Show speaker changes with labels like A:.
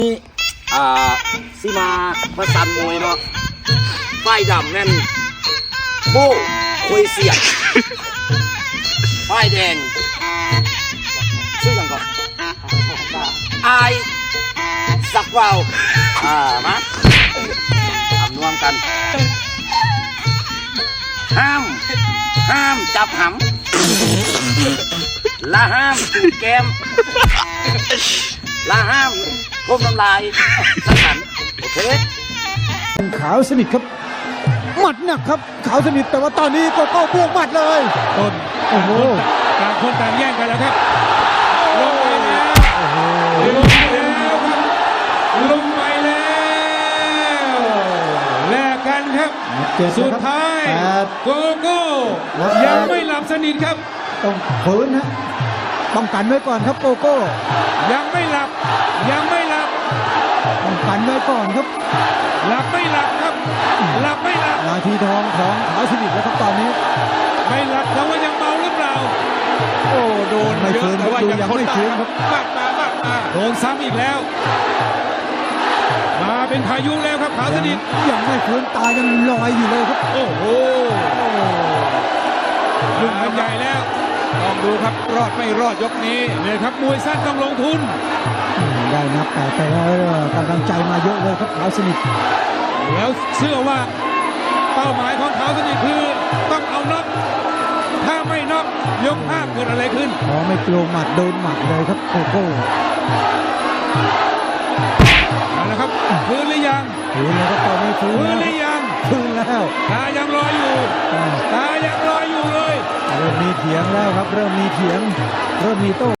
A: นี่สิมาประสันมวยเนาะป้ายดำนั่นโบ้คุยเสียดป้ายแดงชื่ออย่างก่อนอายสักวาวมาทำนวมกันห้ามจับหำและห้ามจูบแก้มและห้ามพ่มน้ำลายสักขันโอเค
B: ขาวสนิทครับหมัดหนักครับขาวสนิทแต่ว่าตอนนี้ก็บวกหมัดเลย
C: ต้น
B: โอ้โห
C: ต่างคนต่างแย่งกันแล้วครับลงไปแล้วลงไปแล้วแลกกันครับสุดท้ายโกโก้ยังไม่หลับสนิทครับ
B: ต้องฝืนนะป้องกันไว้ก่อนครับโกโก้
C: ยังไม่หลับ
B: ป้องกันไว้ก่อนครับ
C: หลับไม่หลับครับหลับไม่หลับ
B: นาทีทองของขาวสนิทแล้วครับตอนนี้
C: ไม่หลับแต่ว่ายังเมาหรือเปล่า
B: โอ้โดนไม่ฟื้นแต่ว่ายังไม่ฟื้นครับ
C: มากมาโดนซ้ำอีกแล้วมาเป็นพายุแล้วครับขาวสนิท
B: ยังไม่ฟื้นตายังลอยอยู่เลยครับ
C: โอ้โหยุ่งกันใหญ่แล้วลองดูครับรอดไม่รอดยกนี้เนี่ยครับมวยสั้นต้องลงทุน
B: ได้นับแต่กำลังใจมาเยอะเลยครับขาวสนิท
C: แล้วเชื่อว่าเป้าหมายของขาวสนิทคือต้องเอาน็อกถ้าไม่น็อกยกห้าเกิดอะไรขึ้น
B: ไม่กลัวหมัดโดนหมัดเลยครับโกโก้
C: เอาละครับฟื้นหรือยัง
B: ฟื้นแล้วก็ตอนนี้ฟื้น
C: หรือยัง
B: ฟื้นแล้ว
C: ตายังรออยู่เลย
B: เริ่มมีเถียงแล้วครับเริ่มมีเถียงเริ่มมีโต้